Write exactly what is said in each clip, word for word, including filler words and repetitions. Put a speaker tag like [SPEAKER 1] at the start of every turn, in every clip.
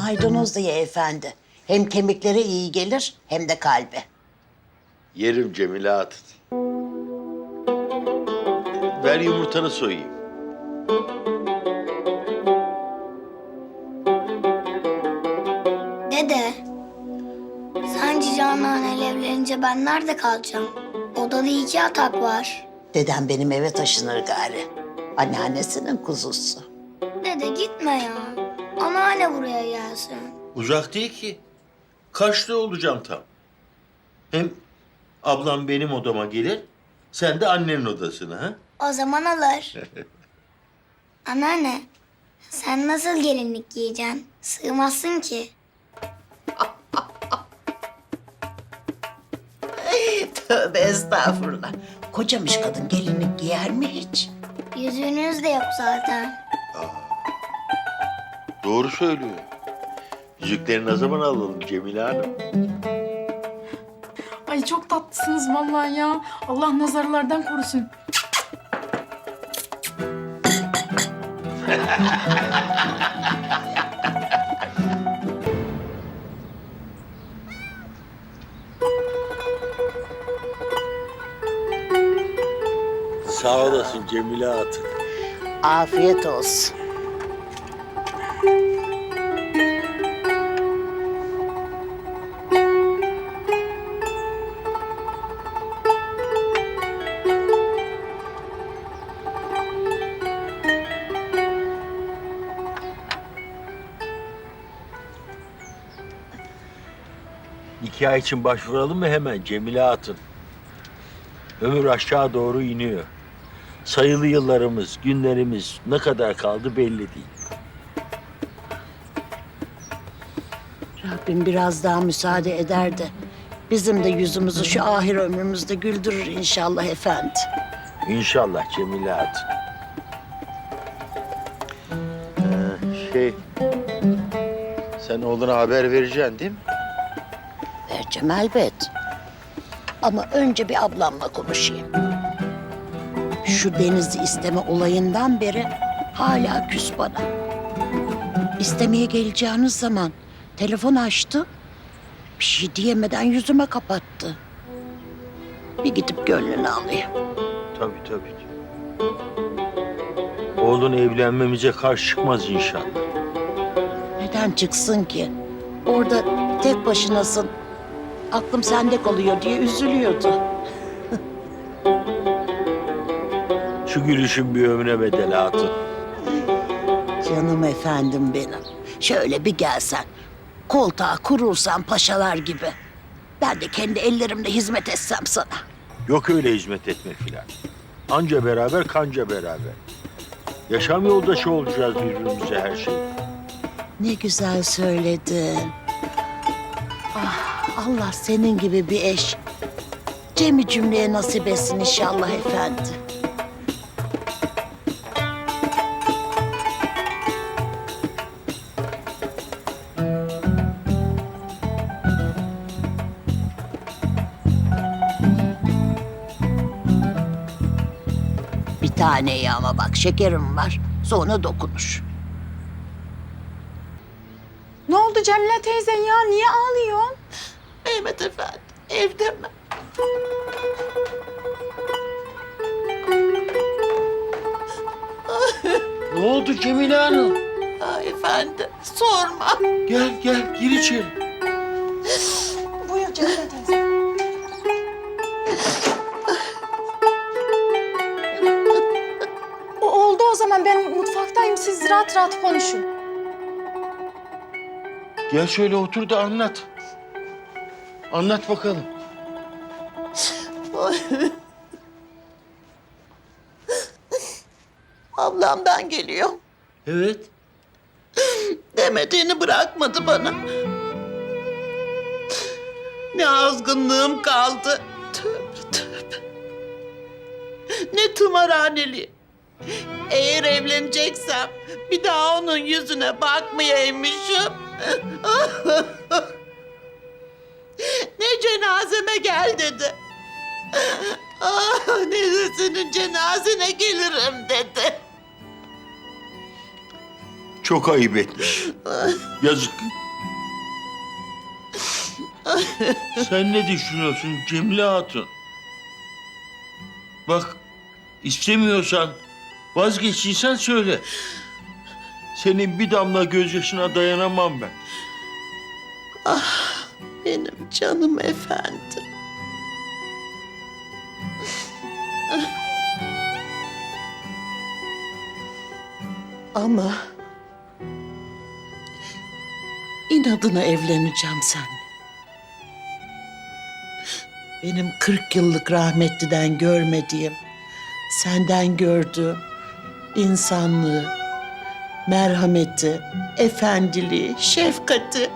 [SPEAKER 1] maydanoz da ye efendi. Hem kemiklere iyi gelir hem de kalbe.
[SPEAKER 2] Yerim Cemile Hatun. Ver yumurtanı soyayım.
[SPEAKER 3] Dede, sence Canan evlenince ben nerede kalacağım? Odada iki yatak var.
[SPEAKER 1] Dedem benim eve taşınır gari. Anneannesinin kuzusu.
[SPEAKER 3] Dede gitme ya. Anneanne buraya gelsin.
[SPEAKER 2] Uzak değil ki. Kaçta olacağım tam. Hem ablam benim odama gelir, sen de annenin odasına ha?
[SPEAKER 3] O zaman alır. Anneanne, sen nasıl gelinlik giyeceksin? Sığmazsın ki.
[SPEAKER 1] Tövbe estağfurullah. Kocamış kadın gelinlik giyer mi hiç?
[SPEAKER 3] Yüzüğünüz de yok zaten.
[SPEAKER 2] Doğru söylüyor. Yüzükleri ne zaman alalım Cemile Hanım?
[SPEAKER 4] Ay çok tatlısınız vallahi ya. Allah nazarlardan korusun.
[SPEAKER 2] Sağ olasın Cemile Hatun.
[SPEAKER 1] Afiyet olsun.
[SPEAKER 2] Nikah için başvuralım mı hemen Cemile Hatun? Ömür aşağı doğru iniyor. Sayılı yıllarımız, günlerimiz ne kadar kaldı belli değil.
[SPEAKER 1] Rabbim biraz daha müsaade eder de bizim de yüzümüzü şu ahir ömrümüzde güldürür inşallah efendi.
[SPEAKER 2] İnşallah Cemile Hatun. Ee, şey, sen oğluna haber vereceksin değil mi?
[SPEAKER 1] Vereceğim elbet. Ama önce bir ablamla konuşayım. Şu Deniz'i isteme olayından beri hala küs bana. İstemeye geleceğiniz zaman telefon açtı. Bir şey diyemeden yüzüme kapattı. Bir gidip gönlünü alayım.
[SPEAKER 2] Tabii tabii. Oğlun evlenmemize karşı çıkmaz inşallah.
[SPEAKER 1] Neden çıksın ki? Orada tek başınasın. Aklım sende kalıyor diye üzülüyordu.
[SPEAKER 2] Şu gülüşün bir ömre bedel Hatun.
[SPEAKER 1] Canım efendim benim. Şöyle bir gelsen, koltuğa kurulsan paşalar gibi. Ben de kendi ellerimle hizmet etsem sana.
[SPEAKER 2] Yok öyle hizmet etmek filan. Anca beraber kanca beraber. Yaşam yoldaşı olacağız birbirimize her şey.
[SPEAKER 1] Ne güzel söyledin. Ah, Allah senin gibi bir eş cemi cümleye nasip etsin inşallah efendi. Bir taneyi ama bak şekerim var. Sonra dokunur.
[SPEAKER 4] Ne oldu Cemile teyzen ya? Niye ağlıyorsun?
[SPEAKER 1] Mehmet efendi evde mi?
[SPEAKER 2] Ne oldu Cemile Hanım?
[SPEAKER 1] Aa, efendi sorma.
[SPEAKER 2] Gel gel gir içeri.
[SPEAKER 4] Buyur Cemile teyze. O oldu o zaman. Ben mutfaktayım. Siz rahat rahat konuşun.
[SPEAKER 2] Gel şöyle otur da anlat. Anlat bakalım.
[SPEAKER 1] Ablamdan geliyor.
[SPEAKER 2] Evet.
[SPEAKER 1] Demediğini bırakmadı bana. Ne azgınlığım kaldı. Tövbe tövbe. Ne tımarhaneli. Eğer evleneceksem bir daha onun yüzüne bakmayaymışım. Ne cenazeme gel dedi. Ah, ne de senin cenazene gelirim dedi.
[SPEAKER 2] Çok ayıp etmiş. Yazık. Sen ne düşünüyorsun Cemile Hatun? Bak, istemiyorsan, vazgeçtiysen söyle. Senin bir damla gözyaşına dayanamam ben.
[SPEAKER 1] Benim canım efendim. Ama inadına evleneceğim seninle. Benim kırk yıllık rahmetliden görmediğim, senden gördüğüm insanlığı, merhameti, efendiliği, şefkati.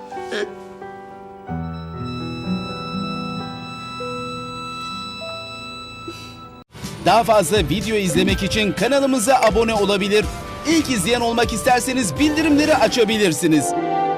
[SPEAKER 5] Daha fazla video izlemek için kanalımıza abone olabilir. İlk izleyen olmak isterseniz bildirimleri açabilirsiniz.